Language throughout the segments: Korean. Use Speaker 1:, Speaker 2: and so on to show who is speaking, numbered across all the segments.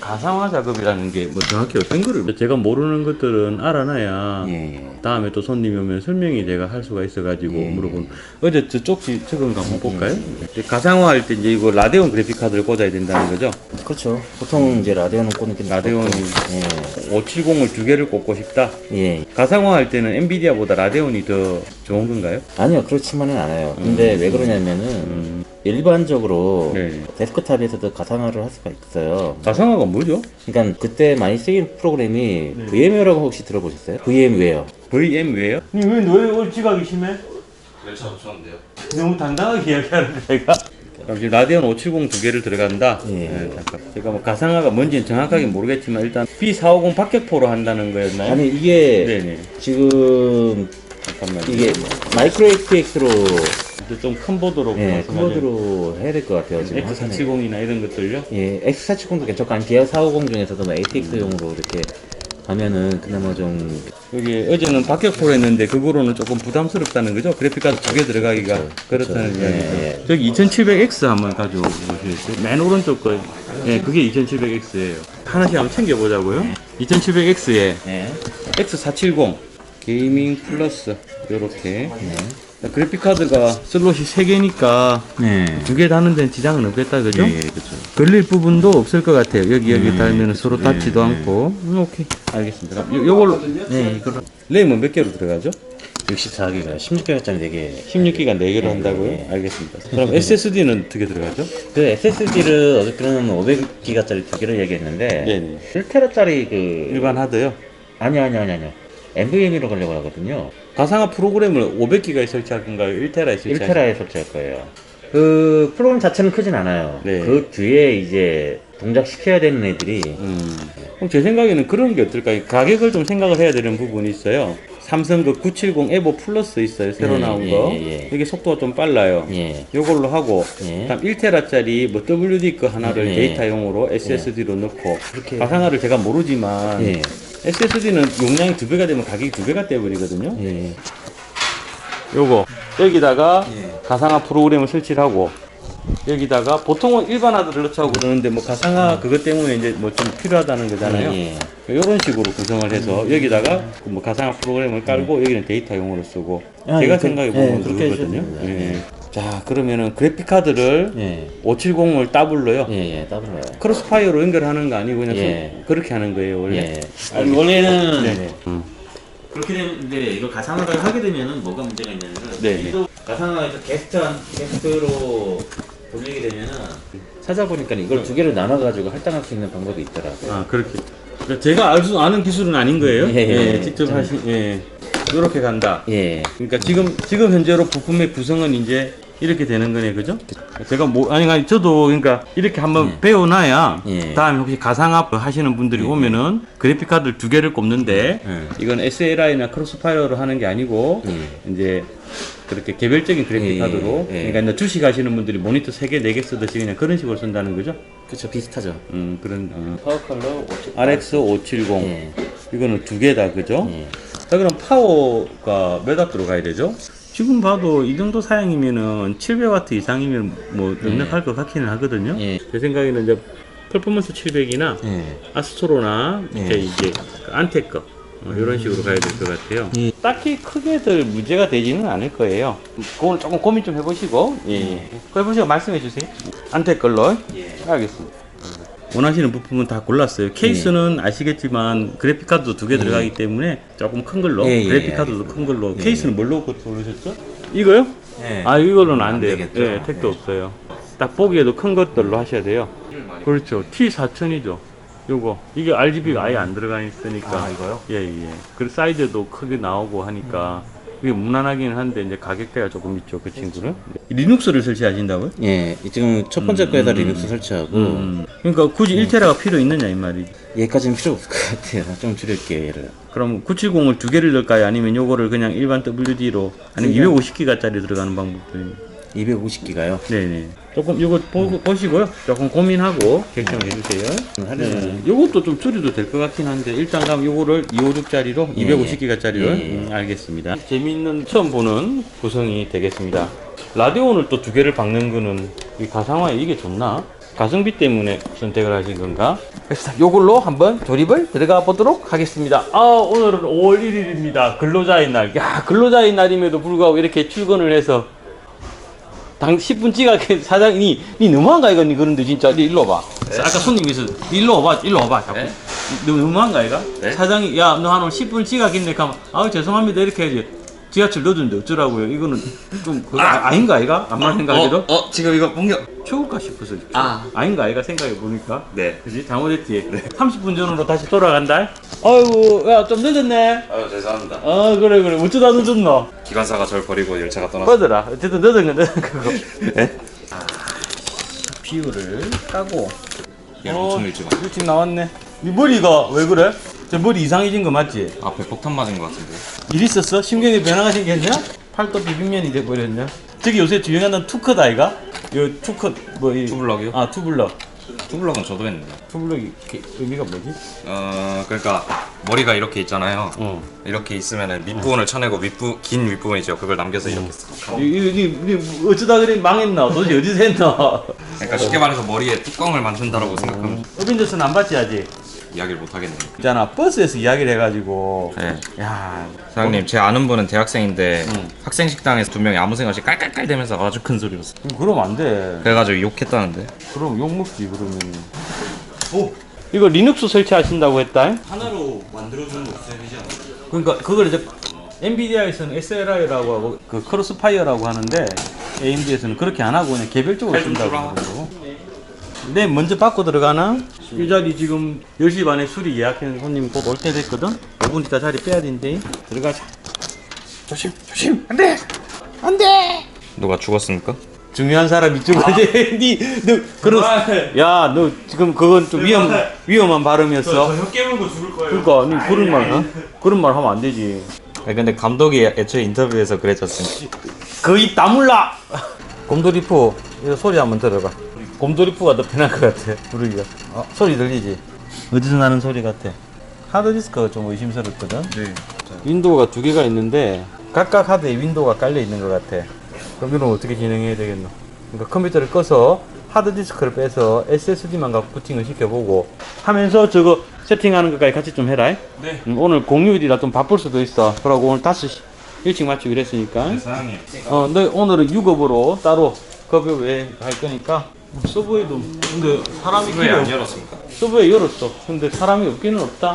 Speaker 1: 가상화 작업이라는 게 뭐 정확히 어떤 거를 제가 모르는 것들은 알아놔야 다음에 또 손님이 오면 설명이 제가 할 수가 있어가지고 물어보는. 어제 저쪽 적은 거 한번 볼까요? 가상화 할 때 이제 이거 라데온 그래픽 카드를 꽂아야 된다는 거죠?
Speaker 2: 그렇죠. 보통 이제 라데온은 꽂는 게
Speaker 1: 라데온이 570을 두 개를 꽂고 싶다.
Speaker 2: 예.
Speaker 1: 가상화 할 때는 엔비디아보다 라데온이 더 좋은 건가요?
Speaker 2: 아니요, 그렇지만은 않아요. 근데 왜 그러냐면은 일반적으로
Speaker 1: 네.
Speaker 2: 데스크탑에서도 가상화를 할 수가 있어요.
Speaker 1: 가상화가 뭐죠?
Speaker 2: 그러니까 그때 많이 쓰인 프로그램이 VMware라고 혹시 들어보셨어요? VMware.
Speaker 1: VM웨어? 왜 얼지각이 심해?
Speaker 3: 열차 없었는데요.
Speaker 1: 너무 당당하게 이야기하는 거야. 그럼 지금 라데온 570 두 개를 들어간다.
Speaker 2: 예.
Speaker 1: 잠깐. 제가 뭐 가상화가 뭔지는 정확하게 모르겠지만 일단 B450 박격포로 한다는 거였나요?
Speaker 2: 아니 이게
Speaker 1: 네네.
Speaker 2: 지금
Speaker 1: 잠깐만.
Speaker 2: 이게 마이크로 XPX로
Speaker 1: 좀 큰 보드로
Speaker 2: 키보드로 해야 될 것 같아요. 지금
Speaker 1: X470이나 이런 것들요?
Speaker 2: 예, X470도 괜찮고 한 기아 450 중에서도 뭐 ATX용으로 이렇게 가면은 그나마 좀
Speaker 1: 여기 어제는 박격포로 했는데 그거로는 조금 부담스럽다는 거죠? 그래픽카드 두 개 들어가기가 그렇다는 이야기죠.
Speaker 2: 예.
Speaker 1: 저기 2700X 한번 가져오시겠어요? 맨 오른쪽 거. 예, 그게 2700X예요. 하나씩 한번 챙겨보자고요. 2700X에
Speaker 2: 예.
Speaker 1: X470 게이밍 플러스 요렇게 그래픽카드가 슬롯이 3개니까
Speaker 2: 네.
Speaker 1: 두 개 다는 데는 지장은 없겠다 그죠?
Speaker 2: 예, 그렇죠.
Speaker 1: 걸릴 부분도 없을 것 같아요. 여기 달면 서로 닿지도 않고. 오케이, 알겠습니다. 요걸로
Speaker 2: 네, 이걸로
Speaker 1: 램은 몇 개로 들어가죠?
Speaker 2: 64기가 16기가짜리 4개.
Speaker 1: 16기가 4개로 한다고요?
Speaker 2: 네.
Speaker 1: 알겠습니다. 그럼 SSD는 어떻게 들어가죠?
Speaker 2: 그 SSD를 어저께는 500기가짜리 2개를 얘기했는데
Speaker 1: 네네.
Speaker 2: 1테라짜리 그
Speaker 1: 일반 하드요?
Speaker 2: 아니요. NVMe로 가려고 하거든요.
Speaker 1: 가상화 프로그램을 500기가에 설치할 건가요? 1테라에 설치할
Speaker 2: 1테라에 설치할 거예요. 그 프로그램 자체는 크진 않아요.
Speaker 1: 네.
Speaker 2: 그 뒤에 이제 동작시켜야 되는 애들이
Speaker 1: 그럼 제 생각에는 그런 게 어떨까요? 가격을 좀 생각을 해야 되는 부분이 있어요. 삼성 그 970 에보 플러스 있어요. 새로 나온 거. 이게 속도가 좀 빨라요.
Speaker 2: 예.
Speaker 1: 요걸로 하고
Speaker 2: 예.
Speaker 1: 다음 1테라짜리 뭐 WD 거 하나를
Speaker 2: 예.
Speaker 1: 데이터용으로 SSD로 넣고 가상화를 제가 모르지만
Speaker 2: 예.
Speaker 1: SSD는 용량이 2배가 되면 가격이 2배가 떼버리거든요.
Speaker 2: 예.
Speaker 1: 요거 여기다가
Speaker 2: 예.
Speaker 1: 가상화 프로그램을 설치를 하고 여기다가 보통은 일반 하드를 넣자고 그러는데 뭐 가상화 그것 때문에 이제 뭐 좀 필요하다는 거잖아요.
Speaker 2: 예.
Speaker 1: 이런 식으로 구성을 해서 여기다가 뭐 가상화 프로그램을 깔고 여기는 데이터용으로 쓰고
Speaker 2: 아,
Speaker 1: 제가
Speaker 2: 예,
Speaker 1: 생각해 보면
Speaker 2: 그렇게
Speaker 1: 그거거든요.
Speaker 2: 해주셔도 됩니다.
Speaker 1: 자 그러면은 그래픽 카드를
Speaker 2: 예.
Speaker 1: 570을 더블로요.
Speaker 2: 예. 더블로요.
Speaker 1: 크로스파이어로 연결하는 거 아니고 그냥
Speaker 2: 예.
Speaker 1: 그렇게 하는 거예요 원래.
Speaker 2: 예. 아니 원래는
Speaker 1: 네네.
Speaker 2: 그렇게 되는데 이거 가상화를 하게 되면은 뭐가 문제가 있냐면은
Speaker 1: 네.
Speaker 2: 이거 가상화에서 게스트로 돌리게 되면은 찾아보니까 이걸 두 개를 나눠 가지고 할당할 수 있는 방법이 있더라고요.
Speaker 1: 아 그렇게. 그러니까 제가 아는 기술은 아닌 거예요.
Speaker 2: 예.
Speaker 1: 직접 하신. 이렇게 간다.
Speaker 2: 예.
Speaker 1: 그러니까 지금 현재로 부품의 구성은 이제 이렇게 되는 거네, 그죠? 제가 아니 저도 그러니까 이렇게 한번 배워놔야
Speaker 2: 예.
Speaker 1: 다음에 혹시 가상화 하시는 분들이 오면은 그래픽 카드를 두 개를 꼽는데 이건 SLI나 크로스파이어로 하는 게 아니고 이제 그렇게 개별적인 그래픽 카드로 그러니까 이제 주식 하시는 분들이 모니터 3개, 4개 쓰듯이 그냥 그런 식으로 쓴다는 거죠?
Speaker 2: 그렇죠. 비슷하죠.
Speaker 1: 그런
Speaker 2: 파워 컬러
Speaker 1: RX 570
Speaker 2: 예.
Speaker 1: 이거는 두 개다, 그죠?
Speaker 2: 예.
Speaker 1: 자, 그럼 파워가 몇 와트 들어가야 되죠? 지금 봐도 이 정도 사양이면은 700W 이상이면 뭐 넉넉할 것 같기는 하거든요.
Speaker 2: 예.
Speaker 1: 제 생각에는 이제 퍼포먼스 700이나
Speaker 2: 예.
Speaker 1: 아스트로나
Speaker 2: 예.
Speaker 1: 이제 그 안텍 거 이런 식으로 가야 될 것 같아요.
Speaker 2: 예.
Speaker 1: 딱히 크게들 문제가 되지는 않을 거예요. 그건 조금 고민 좀 해보시고, 해보시고 말씀해 주세요. 안텍 걸로. 알겠습니다. 원하시는 부품은 다 골랐어요. 케이스는 아시겠지만 그래픽카드도 두 개 들어가기 때문에 조금 큰 걸로, 그래픽카드도 큰 걸로. 케이스는 뭘로 고르셨죠? 이거요?
Speaker 2: 예.
Speaker 1: 아, 이걸로는 안 돼요.
Speaker 2: 되겠죠.
Speaker 1: 예, 택도 없어요. 딱 보기에도 큰 것들로 하셔야 돼요. 그렇죠. T4000이죠. 요거. 이게 RGB가 아예 안 들어가 있으니까.
Speaker 2: 아, 이거요?
Speaker 1: 예. 그리고 사이즈도 크게 나오고 하니까 이게 무난하긴 한데 이제 가격대가 조금 있죠, 그 친구는. 리눅스를 설치하신다고요?
Speaker 2: 예. 지금 첫 번째 거에다 리눅스 설치하고
Speaker 1: 그러니까 굳이 1테라가 필요 있느냐 이 말이지.
Speaker 2: 얘까지는 필요 없을 것 같아요. 좀 줄일게요, 얘를.
Speaker 1: 그럼 970을 두 개를 넣을까요? 아니면 요거를 그냥 일반 WD로 아니면 250기가짜리 들어가는 방법도 있나요?
Speaker 2: 250기가요?
Speaker 1: 네네. 조금 이거 보시고요. 조금 고민하고 결정을 해주세요. 요것도 좀 줄여도 될 것 같긴 한데 일단 그럼 요거를 256짜리로 250기가짜리로 알겠습니다. 재미있는 처음 보는 구성이 되겠습니다. 라데온을 또 두 개를 박는 거는 이 가상화에 이게 좋나? 가성비 때문에 선택을 하신 건가? 그래서 요걸로 한번 조립을 들어가 보도록 하겠습니다. 오늘은 5월 1일입니다. 근로자의 날. 야, 근로자의 날임에도 불구하고 이렇게 출근을 해서 10분 지각해 사장이 니 너무한가 이거 니 그런데 진짜 니 일로 와봐.
Speaker 2: 네?
Speaker 1: 아까 손님 있어. 니 일로 와봐 자꾸.
Speaker 2: 네?
Speaker 1: 너 너무한가 이거?
Speaker 2: 네?
Speaker 1: 사장이 야 너 한 10분 지각했네 하면 죄송합니다 이렇게 해야지. 지하철 넣어주는데 어쩌라고요? 이거는 좀 그거 아닌가 이가? 암만 생각해도
Speaker 2: 지금 이거 공격.
Speaker 1: 추울까 싶어서
Speaker 2: 아닌가
Speaker 1: 아이가 생각해 보니까.
Speaker 2: 네.
Speaker 1: 그지 잘못했지. 30분 전으로 다시 돌아간다. 아이고 야 좀 늦었네.
Speaker 2: 아유 죄송합니다.
Speaker 1: 그래 어쩌다 늦었노?
Speaker 2: 기관사가 절 버리고 열차가 떠났어요.
Speaker 1: 꺼더라. 어쨌든 늦은 건 늦은 거고. 네? 비율을 까고.
Speaker 2: 얘는 엄청 일찍 왔네.
Speaker 1: 일찍 나왔네. 네 머리가 왜 그래? 저 머리 이상해진 거 맞지?
Speaker 2: 앞에 폭탄 맞은 것 같은데.
Speaker 1: 일 있었어? 심경에 변화가 생겼냐? 팔도 비빔면이 돼버렸냐? 저기 요새 유행하는 투컷 아이가? 요 투컷
Speaker 2: 투블럭이요?
Speaker 1: 투블럭.
Speaker 2: 투블럭은 저도 했는데.
Speaker 1: 투블럭이 의미가 뭐지?
Speaker 2: 그러니까 머리가 이렇게 있잖아요.
Speaker 1: 어.
Speaker 2: 이렇게 있으면은 밑부분을 쳐내고 긴 윗부분이죠. 그걸 남겨서 이렇게 써.
Speaker 1: 니 어쩌다 그래 망했나? 도대체 어디서 했나?
Speaker 2: 그러니까 쉽게 말해서 머리에 뚜껑을 만든다라고 생각하면
Speaker 1: 어빈져스는 안 봤지 아직?
Speaker 2: 이야기를 못 하겠네요.
Speaker 1: 있잖아 버스에서 이야기를 해가지고
Speaker 2: 네.
Speaker 1: 야
Speaker 2: 사장님, 제 아는 분은 대학생인데
Speaker 1: 응.
Speaker 2: 학생 식당에서 두 명이 아무 생각 없이 깔깔깔 대면서 아주 큰 소리로 써.
Speaker 1: 그러면 안돼.
Speaker 2: 그래가지고 욕했다는데.
Speaker 1: 그럼 욕먹지 그러면. 이거 리눅스 설치하신다고 했다?
Speaker 2: 하나로 만들어주는 거 있어야 되지 않아요?
Speaker 1: 그러니까 그걸 이제 NVIDIA에서는 SLI라고 하고 그 크로스파이어라고 하는데 AMD에서는 그렇게 안 하고 그냥 개별적으로 쓴다고 그러고. 네, 먼저 받고 들어가나? 이 자리 지금 10시 반에 술이 예약한 손님 곧 올 때 됐거든? 5분 있다 자리 빼야 된대. 들어가자. 조심. 안 돼!
Speaker 2: 누가 죽었습니까?
Speaker 1: 중요한 사람 이쪽까지. 야, 너 지금 그건 좀 위험한 발음이었어.
Speaker 3: 혀 깨물고 죽을 거예요.
Speaker 1: 그러니까, 니 그런 말 하면 안 되지.
Speaker 2: 근데 감독이 애초에 인터뷰에서 그랬었으니까.
Speaker 1: 거의 다물라! 곰돌이푸, 이거 소리 한번 들어봐. 곰돌이푸가 더 편할 것 같아, 부르기가. 소리 들리지? 어디서 나는 소리 같아? 하드디스크가 좀 의심스럽거든?
Speaker 2: 네.
Speaker 1: 윈도우가 두 개가 있는데, 각각 하드에 윈도우가 깔려 있는 것 같아. 그럼 이건 어떻게 진행해야 되겠노? 그러니까 컴퓨터를 꺼서 하드디스크를 빼서 SSD만 갖고 부팅을 시켜보고 하면서 저거 세팅하는 것까지 같이 좀 해라.
Speaker 3: 네.
Speaker 1: 오늘 공휴일이라 좀 바쁠 수도 있어. 그러고 오늘 5시 일찍 마치고 이랬으니까.
Speaker 2: 사장님.
Speaker 1: 너 오늘은 유급으로 따로 급여 외에 할 거니까. 서브웨이도 근데 사람이
Speaker 2: 왜 안 열었습니까?
Speaker 1: 서브웨이 열었어. 근데 사람이 없기는 없다.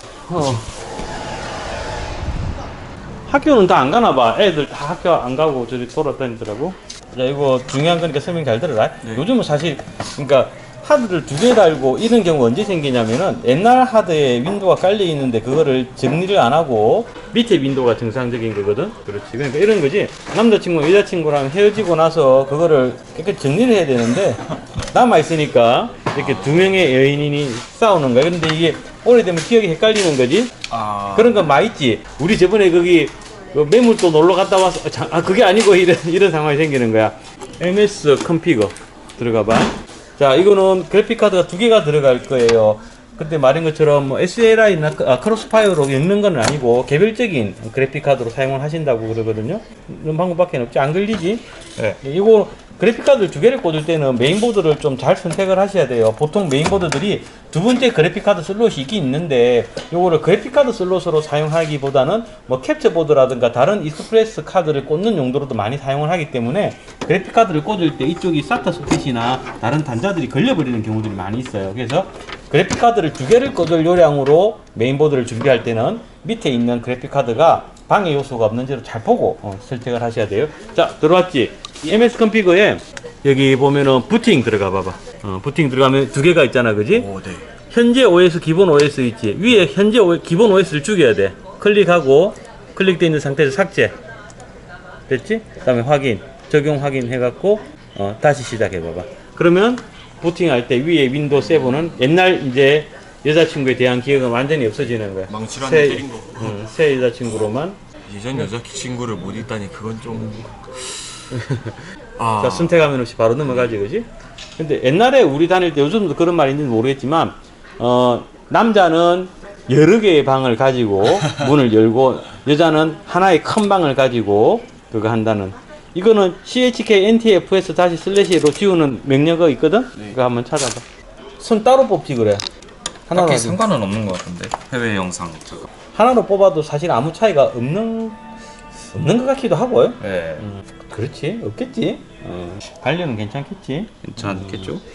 Speaker 1: 학교는 다 안 가나 봐. 애들 다 학교 안 가고 저리 돌아다니더라고. 자, 이거 중요한 거니까 설명 잘 들어라. 요즘은 사실 그러니까 하드를 두 개 달고 이런 경우가 언제 생기냐면은 옛날 하드에 윈도우가 깔려 있는데 그거를 정리를 안 하고 밑에 윈도우가 정상적인 거거든. 그렇지. 그러니까 이런 거지. 남자친구 여자친구랑 헤어지고 나서 그거를 깨끗이 정리를 해야 되는데 남아 있으니까 이렇게 두 명의 여인이 싸우는 거야. 그런데 이게 오래되면 기억이 헷갈리는 거지. 그런 거 많이 있지. 우리 저번에 거기 그 매물도 놀러 갔다 와서 그게 아니고 이런 상황이 생기는 거야. MS 컴피거 들어가 봐. 자, 이거는 그래픽 카드가 두 개가 들어갈 거예요. 그때 말한 것처럼 뭐 SLI나 크로스파이어로 엮는 건 아니고 개별적인 그래픽 카드로 사용을 하신다고 그러거든요. 이런 방법밖에 없지. 안 걸리지?
Speaker 2: 네.
Speaker 1: 이거 그래픽 카드 두 개를 꽂을 때는 메인보드를 좀 잘 선택을 하셔야 돼요. 보통 메인보드들이 두 번째 그래픽 카드 슬롯이 있긴 있는데 요거를 그래픽 카드 슬롯으로 사용하기보다는 뭐 캡처 보드라든가 다른 익스프레스 카드를 꽂는 용도로도 많이 사용을 하기 때문에 그래픽 카드를 꽂을 때 이쪽이 SATA 소켓이나 다른 단자들이 걸려버리는 경우들이 많이 있어요. 그래서 그래픽 카드를 두 개를 꽂을 요량으로 메인보드를 준비할 때는 밑에 있는 그래픽 카드가 방해 요소가 없는지를 잘 보고 선택을 하셔야 돼요. 자, 들어왔지? 이 MS 컴피거에 여기 보면은 부팅 들어가 봐봐. 부팅 들어가면 두 개가 있잖아, 그지?
Speaker 3: 오, 네.
Speaker 1: 현재 OS, 기본 OS 있지? 위에 현재 기본 OS를 죽여야 돼. 클릭하고 클릭되어 있는 상태에서 삭제. 됐지? 그 다음에 확인, 적용 확인 해갖고 다시 시작해 봐봐. 그러면 부팅할 때 위에 윈도우 7은 옛날 이제 여자친구에 대한 기억은 완전히 없어지는 거야.
Speaker 3: 망치로 한대 때린 거.
Speaker 1: 새 여자친구로만.
Speaker 3: 예전 여자친구를 못 있다니 그건 좀.
Speaker 1: 자, 선택하면 없이 바로 넘어가지, 그지? 근데 옛날에 우리 다닐 때 요즘도 그런 말이 있는지 모르겠지만, 남자는 여러 개의 방을 가지고 문을 열고, 여자는 하나의 큰 방을 가지고 그거 한다는 이거는 CHK NTFS 다시 슬래시로 지우는 명령어가 있거든? 그거 한번 찾아봐. 손 따로 뽑지 그래. 하나로,
Speaker 3: 딱히
Speaker 1: 하지.
Speaker 3: 상관은 없는 것 같은데 해외 영상 잠깐.
Speaker 1: 하나로 뽑아도 사실 아무 차이가 없는 것 같기도 하고요.
Speaker 3: 네.
Speaker 1: 그렇지. 없겠지. 반려는 괜찮겠지.
Speaker 3: 괜찮겠죠?